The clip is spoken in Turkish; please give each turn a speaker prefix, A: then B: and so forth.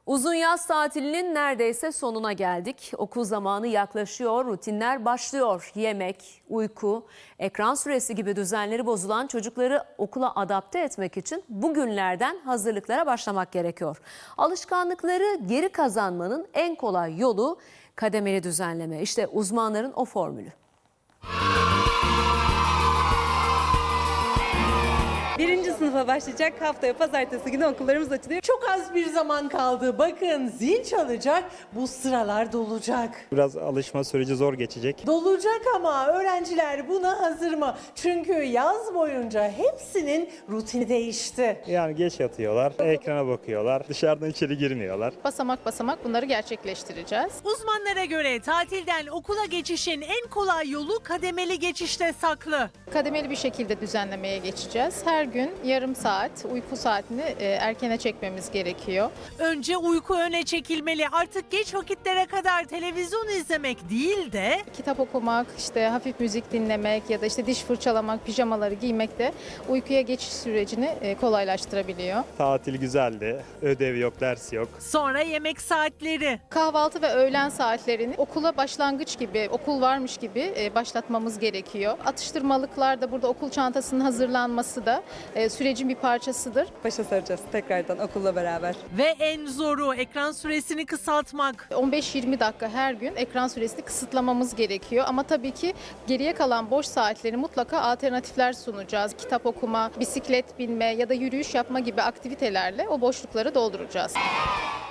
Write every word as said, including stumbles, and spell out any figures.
A: Uzun yaz tatilinin neredeyse sonuna geldik. Okul zamanı yaklaşıyor, rutinler başlıyor. Yemek, uyku, ekran süresi gibi düzenleri bozulan çocukları okula adapte etmek için bugünlerden hazırlıklara başlamak gerekiyor. Alışkanlıkları geri kazanmanın en kolay yolu kademeli düzenleme. İşte uzmanların o formülü.
B: Birinci sınıfa başlayacak, haftaya pazartesi günü okullarımız açılıyor.
C: Çok az bir zaman kaldı. Bakın zil çalacak, bu sıralar dolacak.
D: Biraz alışma süreci zor geçecek.
C: Dolacak ama öğrenciler buna hazır mı? Çünkü yaz boyunca hepsinin rutini değişti.
D: Yani geç yatıyorlar, ekrana bakıyorlar, dışarıdan içeri girmiyorlar.
E: Basamak basamak bunları gerçekleştireceğiz.
F: Uzmanlara göre tatilden okula geçişin en kolay yolu kademeli geçişte saklı.
E: Kademeli bir şekilde düzenlemeye geçeceğiz. Her gün yarım saat uyku saatini e, erkene çekmemiz gerekiyor.
F: Önce uyku öne çekilmeli. Artık geç vakitlere kadar televizyon izlemek değil de
E: Kitap okumak, işte hafif müzik dinlemek ya da işte diş fırçalamak, pijamaları giymek de uykuya geçiş sürecini e, kolaylaştırabiliyor.
D: Tatil güzeldi, ödev yok, ders yok.
F: sonra yemek saatleri.
E: Kahvaltı ve öğlen saatlerini okula başlangıç gibi, okul varmış gibi e, başlatmamız gerekiyor. Atıştırmalıklar da burada okul çantasının hazırlanması da e, sürecin bir parçasıdır.
B: Başa saracağız tekrardan okulla beraber.
F: Ve en zoru ekran süresini kısaltmak.
E: on beş yirmi dakika her gün ekran süresini kısıtlamamız gerekiyor. Ama tabii ki geriye kalan boş saatleri mutlaka alternatifler sunacağız. Kitap okuma, bisiklet binme ya da yürüyüş yapma gibi aktivitelerle o boşlukları dolduracağız.